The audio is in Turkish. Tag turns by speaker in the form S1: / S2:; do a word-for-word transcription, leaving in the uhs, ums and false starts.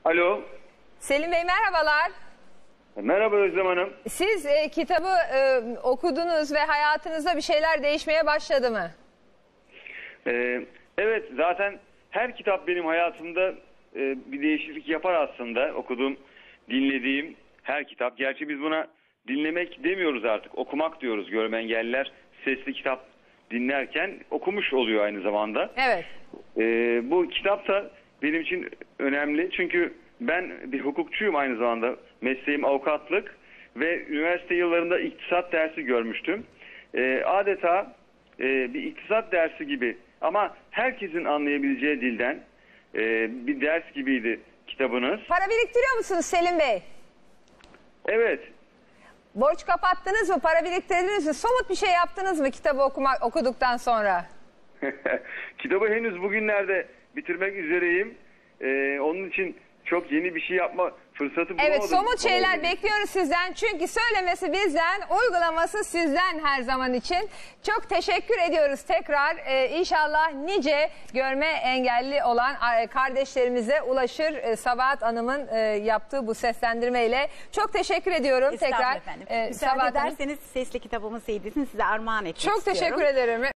S1: Alo.
S2: Selim Bey merhabalar.
S1: Merhaba Özlem Hanım.
S2: Siz e, kitabı e, okudunuz ve hayatınızda bir şeyler değişmeye başladı mı?
S1: Ee, evet, zaten her kitap benim hayatımda e, bir değişiklik yapar aslında. Okuduğum, dinlediğim her kitap. Gerçi biz buna dinlemek demiyoruz artık. Okumak diyoruz. Görme engelliler sesli kitap dinlerken okumuş oluyor aynı zamanda.
S2: Evet.
S1: Ee, bu kitap da benim için önemli. Çünkü ben bir hukukçuyum aynı zamanda. Mesleğim avukatlık ve üniversite yıllarında iktisat dersi görmüştüm. Ee, adeta e, bir iktisat dersi gibi ama herkesin anlayabileceği dilden e, bir ders gibiydi kitabınız.
S2: Para biriktiriyor musunuz Selim Bey?
S1: Evet.
S2: Borç kapattınız mı? Para biriktirdiniz mi? Somut bir şey yaptınız mı kitabı okumak, okuduktan sonra?
S1: Kitabı henüz bugünlerde bitirmek üzereyim. Ee, onun için çok yeni bir şey yapma fırsatı bulamadım.
S2: Evet, somut şeyler
S1: Ama...
S2: bekliyoruz sizden. Çünkü söylemesi bizden, uygulaması sizden her zaman için. Çok teşekkür ediyoruz tekrar. Ee, İnşallah nice görme engelli olan kardeşlerimize ulaşır e, Sabahat Hanım'ın e, yaptığı bu seslendirmeyle. Çok teşekkür ediyorum tekrar.
S3: Efendim.
S2: E,
S3: Müsaade
S2: Sabahat Hanım.
S3: ederseniz sesli kitabımın C D'sini size armağan etmek
S2: Çok
S3: istiyorum.
S2: teşekkür ederim.